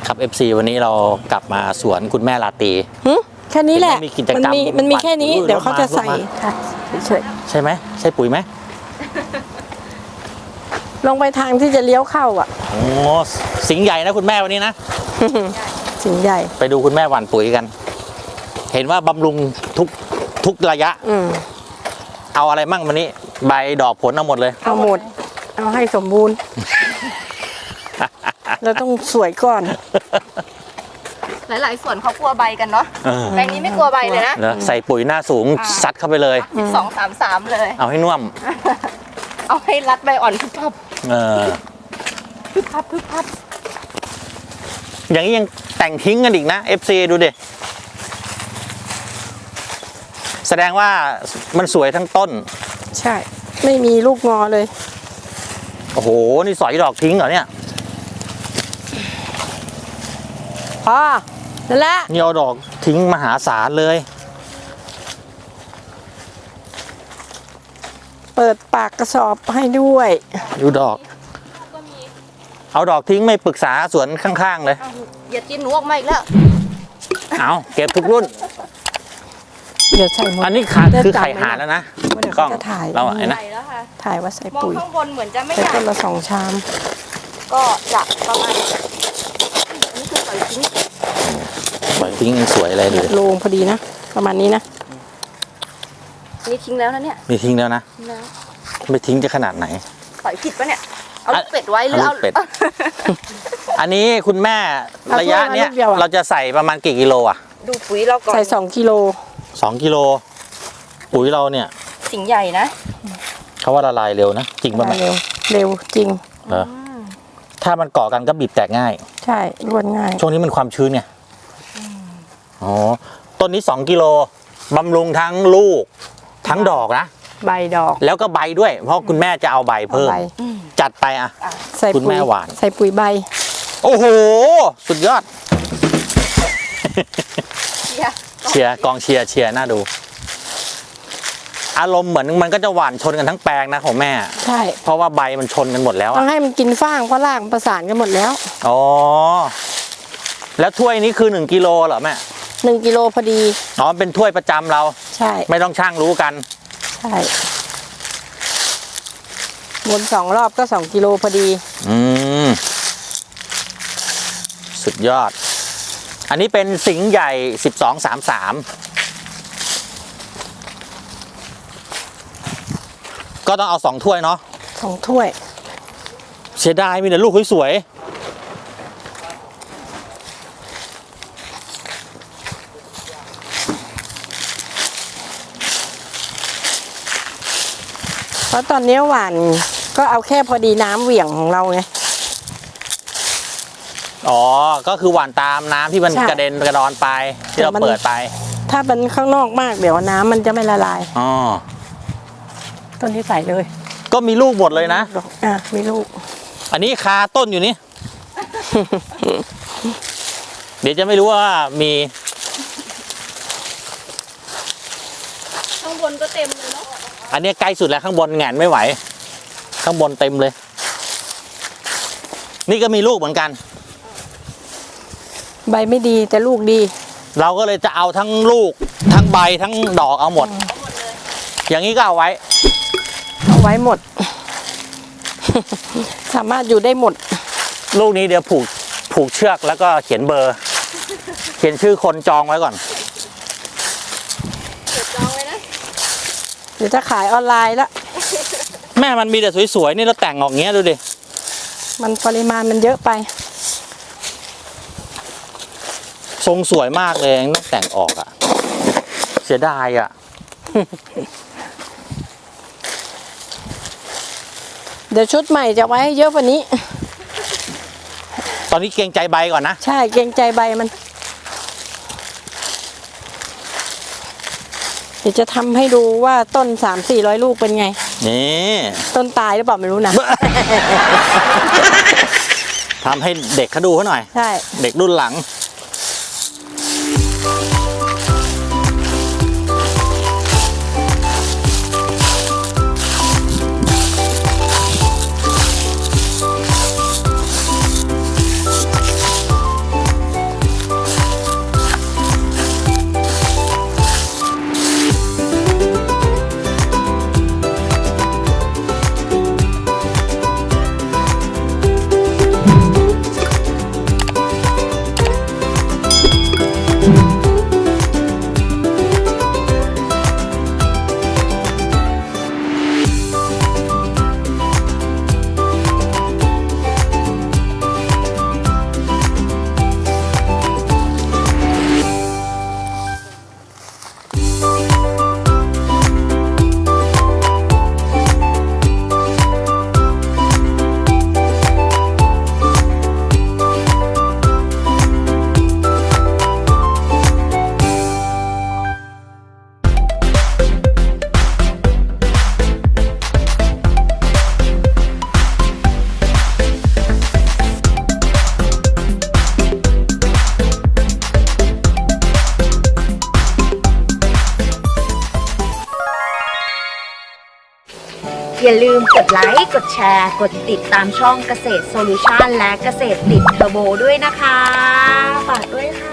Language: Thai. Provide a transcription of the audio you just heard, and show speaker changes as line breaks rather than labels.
ครับ FC วันนี้เรากลับมาสวนคุณแม่ลาตี
แค่นี้แหละ
มันมี
แค่นี้ เดี๋ยวเขาจะใส่เฉย
ใช่ไหมใช่ปุ๋ยไหม
ลงไปทางที่จะเลี้ยวเข้าอ่ะ
โอ้สิงห์ใหญ่นะคุณแม่วันนี้นะ
สิงห์ใหญ่
ไปดูคุณแม่หว่านปุ๋ยกัน เห็นว่าบำรุงทุกระยะ เอาอะไรมั่งวันนี้ ใบดอกผลเอาหมดเลย
เอาหมด เอาให้สมบูรณ์ เราต้องสวยก่อน
หลายๆส่วนเขากลัวใบกันเนาะแปลงนี้ไม่กลัวใบเลยนะ
ใส่ปุ๋ยหน้าสูงซัดเข้าไปเลย
2-3-3 เลย
เอาให้น่วม
เอาให้รัดใบอ่อนพึบพับ
พึบพับอย่างนี้ยังแต่งทิ้งกันอีกนะ FC ดูดิแสดงว่ามันสวยทั้งต้น
ใช่ ไม่มีลูกงอเลย
โอ้โห นี่สอยดอกทิ้งเหรอเนี่ย
นั่นแหละ
นี่เอาดอกทิ้งมหาศาลเลย
เปิดปากกระสอบให้ด้วย
ดูดอก เอาดอกทิ้งไม่ปรึกษาสวนข้างๆเลย
อย่ากินหนูออกมาอีกแล้ว
เอาเก็บทุกรุ่น
เดี๋ยวใส่หมด
อันนี้คือไข่ห่านแล้วนะ
เดี๋ยว
กล้
เขา
อง
จะถ่าย
เราไอ้นะ
ใส่แล้วค่ะ
ถ่ายว่าใส่
มอง
ปุ๋ย
ข้างบนเหมือนจะไม่
ใส่
ใหญ่
คนละ2 ชาม
ก็จะประมาณนี่คือใส่ทิ้ง
ปล่อยทิ้งยังสวยเลยดูดิ
โลงพอดีนะ ประมาณนี้นะ
นี่ทิ้งแล้วนะเนี่ย
นี่ทิ้งแล้วนะ
ทิ้งแล้ว
ไม่ทิ้งจะขนาดไหน
ใส่ผิดปะเนี่ย เอาลูกเป็ดไว้หรือเอา
เอาลูกเป็ด อันนี้คุณแม่
เอา
ระยะเนี้ย
ถ้วยมาลูกเดียวอะ
เราจะใส่ประมาณกี่กิโลอ่ะ
ดูปุ๋ยเราก่อน
ใส่2 กิโล
2 กิโลปุ๋ยเราเนี่ย
สิงห์ใหญ่นะ
เขาว่าละลายเร็วนะจริงป่ะแม่
เร็วจริง
เหรอถ้ามันเกาะกันก็บีบแตกง่าย
ใช่รวนง่าย
ช่วงนี้มันความชื้นไงอ๋อต้นนี้2 กิโลบำรุงทั้งลูกทั้งดอกนะ
ใบดอก
แล้วก็ใบด้วย เพราะคุณแม่จะเอาใบเพิ่ม
ใบ
จัดไปอ่ะ
ใส่
คุณ
ปุ๋
แม่
ย
หวาน
ใส่ปุ๋ยใบ
โอ้โห สุดยอด เชียร์กองเชียร์น่าดู อารมณ์เหมือนมันก็จะหวานชนกันทั้งแปลงนะของแม่
ใช่
เพราะว่าใบมันชนกันหมดแล้ว
ต้อ
อะ
งให้มันกินฟางเพราะรากมันประสานกันหมดแล้ว
อ๋อ แล้วถ้วยนี้คือ1 กิโลเหรอแม่
1 กิโลพอดี
อ๋อเป็นถ้วยประจำเรา
ใช่
ไม่ต้องช่างรู้กัน
ใช่วน2 รอบก็2 กิโลพอดี
อืมสุดยอด อันนี้เป็นสิงห์ใหญ่1233ก็ต้องเอา2 ถ้วยเนาะ
2 ถ้วย
เสียดายมีแต่ลูกสวยๆ
เพราะตอนนี้หวานก็เอาแค่พอดีน้ำเหวี่ยงของเราไง
อ๋อ ก็คือหว่านตามน้ำที่มัน
ใช่
กระเด็นกระดอนไปที่เรา
แต่มัน
เปิดไป
ถ้าเป็นข้างนอกมากเดี๋ยวน้ำมันจะไม่ละลาย
อ๋อ
ต้นนี้ใส่เลย
ก็มีลูกหมดเลยนะ
มีลูก
อันนี้คาต้นอยู่นี่ เดี๋ยวจะไม่รู้ว่ามี
ข้างบนก็เต็มเลยเนาะ
อันนี้ใกล้สุดแล้วข้างบนแหงนไม่ไหว ข้างบนเต็มเลย นี่ก็มีลูกเหมือนกัน
ใบไม่ดีแต่ลูกดี
เราก็เลยจะเอาทั้งลูกทั้งใบทั้งดอกเอาหมด อย่างนี้ก็เอาไว้
เอาไว้หมด สามารถอยู่ได้หมด
ลูกนี้เดี๋ยวผูกเชือกแล้วก็เขียนเบอร์ เขียนชื่อคนจองไว้ก่อน
เก็บจองไว้นะ
เดี๋ยวจะขายออนไลน์ละ
แม่มันมีแต่สวยๆนี่เราแต่งออกเงี้ยดูดิ
มันปริมาณมันเยอะไป
ทรงสวยมากเลยต้องแต่งออกอ่ะ เสียดายอ่ะ
เดี๋ยวชุดใหม่จะไว้ให้เยอะกว่านี้
ตอนนี้เกรงใจใบก่อนนะ
ใช่เกรงใจใบมัน เดี๋ยวจะทำให้ดูว่าต้น300-400 ลูกเป็นไง
นี่
ต้นตายหรือเปล่าไม่รู้นะ
ทำให้เด็กเขาดูเขาหน่อย
ใช่
เด็กรุ่นหลัง
อย่าลืมกดไลค์กดแชร์กดติดตามช่องเกษตรโซลูชันและเกษตรติดเทอร์โบด้วยนะคะฝากด้วยค่ะ